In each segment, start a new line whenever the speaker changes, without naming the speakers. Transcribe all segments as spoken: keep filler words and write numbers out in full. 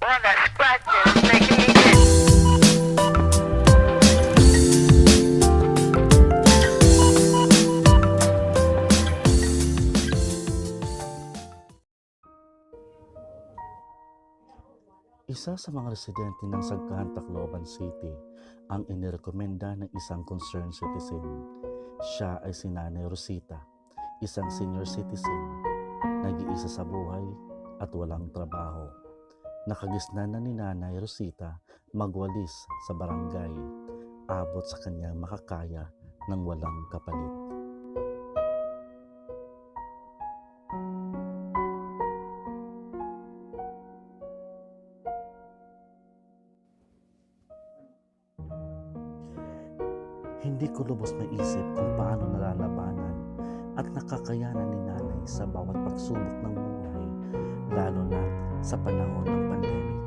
one that scratches, making me itch.
Isa sa mga residente ng Sagkahan, Tacloban City ang inirekomenda ng isang concerned citizen. Siya ay si Nanay Rosita, isang senior citizen, nag-iisa sa buhay at walang trabaho. Nakagisnan na ni Nanay Rosita magwalis sa barangay, abot sa kanyang makakaya ng walang kapalit. Hindi ko lubos maisip kung paano nalalabanan at nakakayanan ni Nanay sa bawat pagsubok ng buhay, lalo na sa panahon ng pandemic.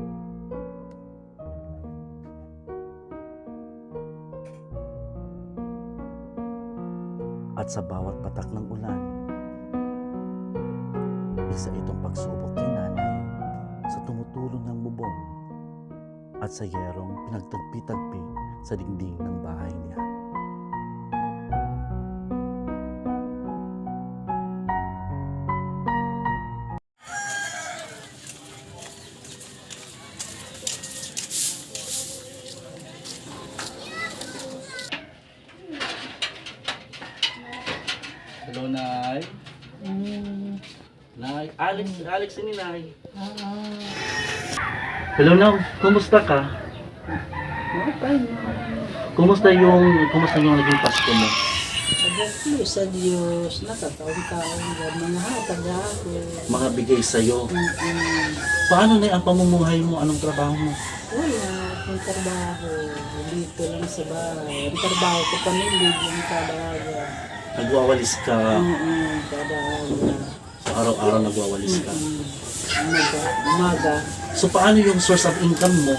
At sa bawat patak ng ulan, isa itong pagsubok ni Nanay sa tumutulong ng bubong at sa yerong pinagtagpi-tagpi sa dingding ng bahay niya. Hello, Nay.
Mm.
Nay, Alex, Alex ni Nay.
Ah,
Hello, Nay. Kumusta ka?
okay na.
Kumusta yung, kumusta yung naging Pasko mo?
Pagkaklo sa Diyos, nakataon-taon yan, mga hatag ako.
Mga bigay sa'yo.
Mm-mm.
Paano na ang pamumuhay mo? Anong trabaho mo?
Wala akong trabaho. Dito lang sa bahay. Ang trabaho ko pamilya yung kada aga.
Nagwawalis ka.
Mm-mm, kada aga.
So, araw-araw nagwawalis ka.
Mm-mm. Umaga. Umaga.
So, paano yung source of income mo?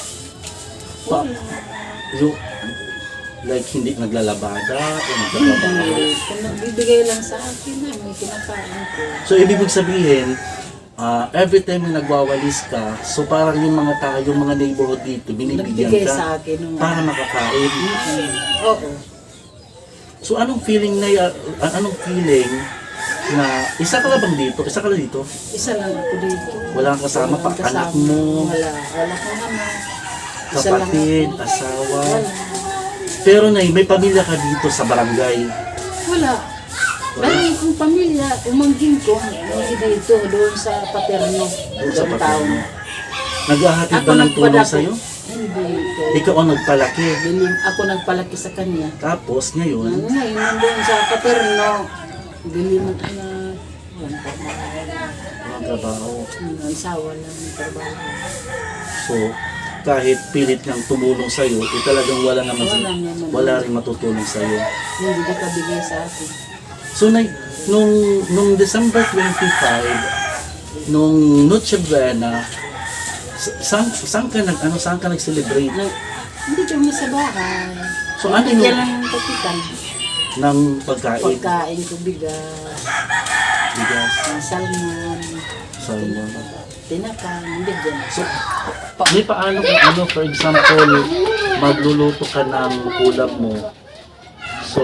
Pa, yung, like, hindi naglalabada o naglalabada?
Hindi. Kung nagbibigay lang sa akin na, may kinakain ko.
So, ibig sabihin, ah, every time na nagwawalis ka, so parang yung mga tao, yung mga neighborhood dito, binibigyan
Nagbigay
ka
sa akin. nung-
para makakain.
Mm-mm. Oo.
So, anong feeling na, ya- ah, anong feeling na, isa ka lang bang dito? Isa ka lang dito?
Isa lang ako dito.
Wala kang kasama pa,
Walang kasama.
anak mo,
Wala. Wala ko naman. Isa lang
kapatid,
ako.
asawa.
Wala.
Pero na, may pamilya ka dito sa barangay.
Wala. Dahil kung pamilya, umangkin ko, hindi dito, doon sa Paterno.
Doon sa
Doon
Paterno. Naghahatid
Ako
ba ng tulong
nagpadako.
sa'yo?
Hindi ko.
Ikaw ang nagpalaki.
Biling, ako nagpalaki sa kanya.
Tapos ngayon,
Ngayon, nandun sa Paterno, bili mo na, walang trabaho.
walang trabaho.
Ang sawa lang ng trabaho.
So, kahit pilit niyang tumulong sa'yo, eh talagang wala naman,
Wala naman.
wala rin matutulong sa'yo.
Hindi nakabigay sa akin.
So, na, nung, nung December twenty-five, nung Noche Buena, sa- saan, saan ka nag, ano, saan ka nag-celebrate
Na, hindi kami sa bahay.
So, ano yung-
Bigyan lang ng kapitan.
ng pagkain?
Pagkain ko bigas,
Bigas,
salmon,
salmon.
tinapang, bigyan.
So, pa, may paano kung ano, for example, magluluto ka ng ulam mo. So,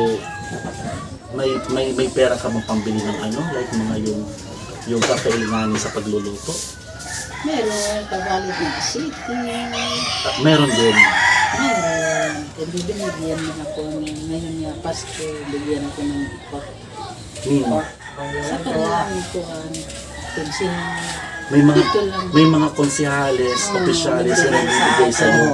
may may may pera ka mo pambili ng ano, like mga yung yung kakailanganin sa pagluluto.
Meron, pagalit ng city.
Ah, meron din.
Meron. Hindi binigyan mo ako ng ngayon nga Pasko, bigyan ako ng ipak.
Hmm.
Sa kanya ko ang pensin.
May mga
Ito lang.
may mga konsihales, opisyales na nagbibigay sa iyo.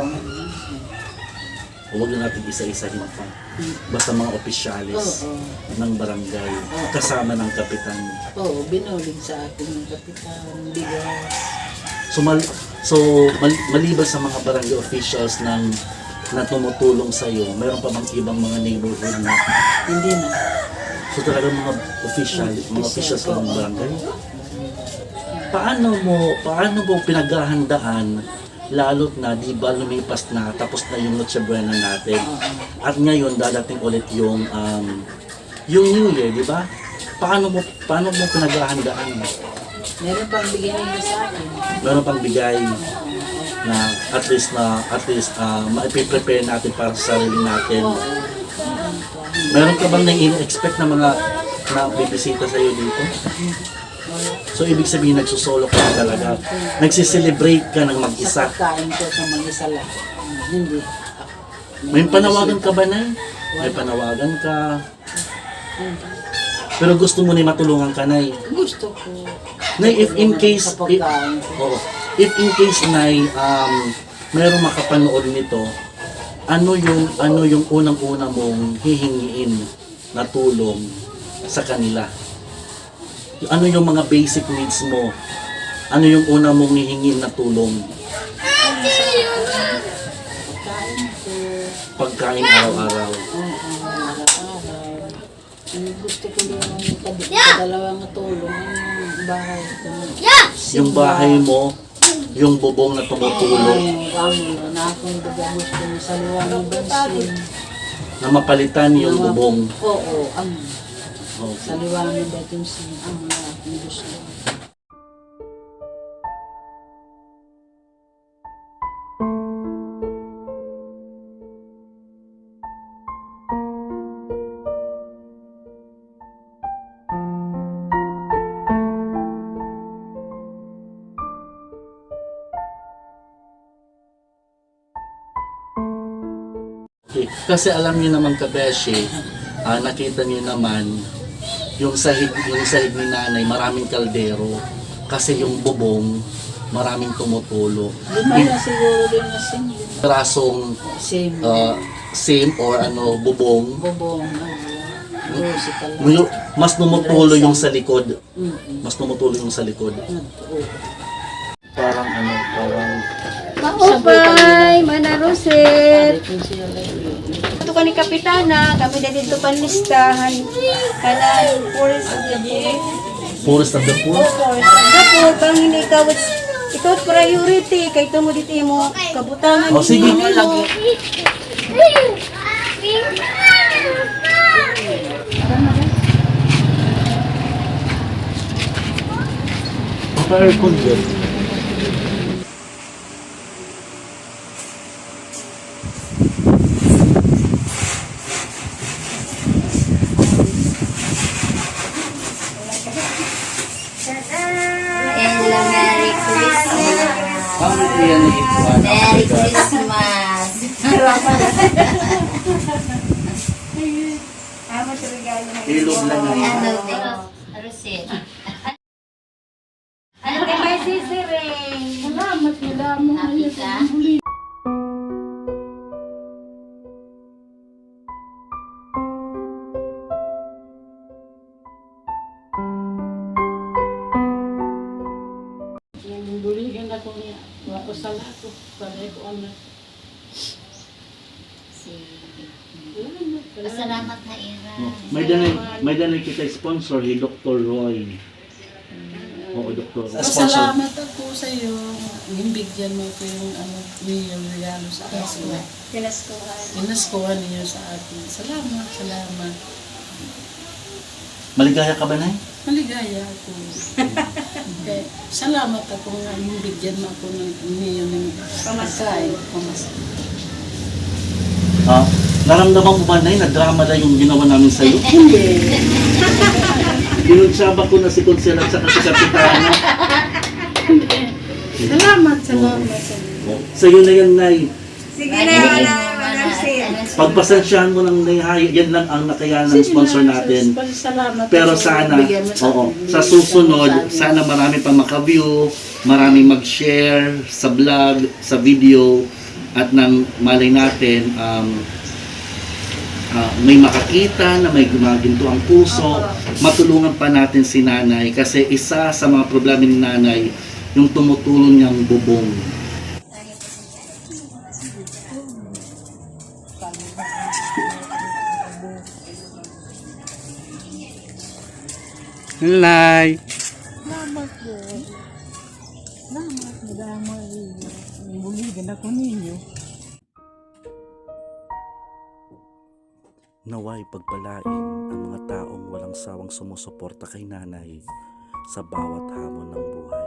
Huwag na natin isa-isahin pa. Basta mga opisyales
Oo.
ng barangay kasama ng kapitan.
Oo, binulig sa akin ng kapitan, bigas.
So, mal, so mal, maliban sa mga barangay officials ng na tumutulong sa iyo, mayroon pa bang ibang mga neighborhood na
Hindi na.
so talagang mga official, mga officials ng barangay? Paano mo, paano mo pinaghahandaan lalo't na di ba lumipas na tapos na yung Noche Buena natin at ngayon dadating ulit yung um, yung New Year, di ba? Paano mo paano mo pinaghahandaan?
Meron pang bigyan nila sa akin.
Meron pang bigay na at least na at least uh, ma-prepare natin para sa sarili natin. Meron ka bang nai-expect na mga na bibisita sa iyo dito? So ibig sabihin nagsusolo ka na talaga. Nagsiselebrate ka ng
Sa
mag-isa.
pagkain ko sa mag-isa lang. Hindi.
May panawagan ka ba, Nay? May panawagan ka. Pero gusto mo na matulungan ka, Nay.
Gusto ko.
Nay, if in case,
Sa pagkain ko.
Oo. If in case, Nay, um, mayroong makapanood nito, ano yung ano yung unang-una mong hihingiin na tulong sa kanila? Ano yung mga basic needs mo? Ano yung una mong hihingin na tulong?
Pagkain ko.
Pagkain araw-araw.
Oo, araw-araw. Ang gusto ko lang yung kad- kadalawang tulong yung bahay ko.
Yung bahay mo, yung bubong na tumutulog,
Ay, ang na akong baga gusto mo sa luwang ng bansin.
na mapalitan yung bubong.
Oo, ang
Okay.
sa luwang ng bansin ang mga aking gusto.
Okay. Kasi alam niyo naman kabeshi, ah, nakita niyo naman yung sahig, yung sahig ni nanay, maraming kaldero. Kasi yung bubong, maraming tumutulo.
Lima na siguro din na sing.
Rasong
Same.
ah, same or ano, bubong,
Bobong. Rosy pala.
Yung- mas tumutulo yung sa likod.
Mm-mm.
Mas tumutulo yung sa likod.
Oo.
Parang ano, parang
Maupay, manarusit.
Kung siya lang
Ito ka ni Kapitana, kami na dito panlistahan. Kanan, forest of the poor.
forest of the poor.
Forest of the poor, pang hindi ikaw, ikaw priority, kay ito mo dito mo kabutangan.
O, sige.
lagi.
Pa-aircon dyan.
Hello, Merry Christmas!
Ang yan na ito.
Merry Christmas!
Ilog lang
Ano,
yan.
Rosin?
Ano kay may sisiring?
Salamat, salamat.
Happy ka?
Buligan ako niya. Wako sa lato. Panay ko ano.
Sige. Pasalamat na Ira.
May danay, may danay kita sponsor, si Doctor Roy. Oo, Doctor Roy.
Pasalamat ako sa iyo. Himbigyan mo ko yung ano, yung regalo sa akin.
Pinaskuhan.
Inaskuhan niyo sa akin. Salamat, salamat.
Maligaya ka ba, Nay?
Maligaya ako. Okay. Salamat ako nga himbigyan mo ako ng niyo ng pamasahe. Pamasahe.
Ha? Naramdaman mo ba, Nay, na drama na yung ginawa namin sa'yo?
Hindi.
Ginunsaba ko na si Consel at saka si Kapitana.
Salamat, salamat. salamat.
Sa'yo na yan, Nay.
Sige na, wala, manarusit.
Pagpasensyahan mo ng Nay, yan lang ang nakayanan ng sponsor natin.
Salamat.
Pero sana, oo, sa susunod, sana marami pang maka-view, marami mag-share sa vlog, sa video, at nang malay natin, um, ah, may makakita na may gumaginto ang puso, matulungan pa natin si nanay kasi isa sa mga problema ni nanay, yung tumutulong niyang bubong. Nay.
Salamat po. Salamat, madama. Buligan ako ninyo.
Naway pagpalain ang mga taong walang sawang sumusuporta kay nanay sa bawat hamon ng buhay.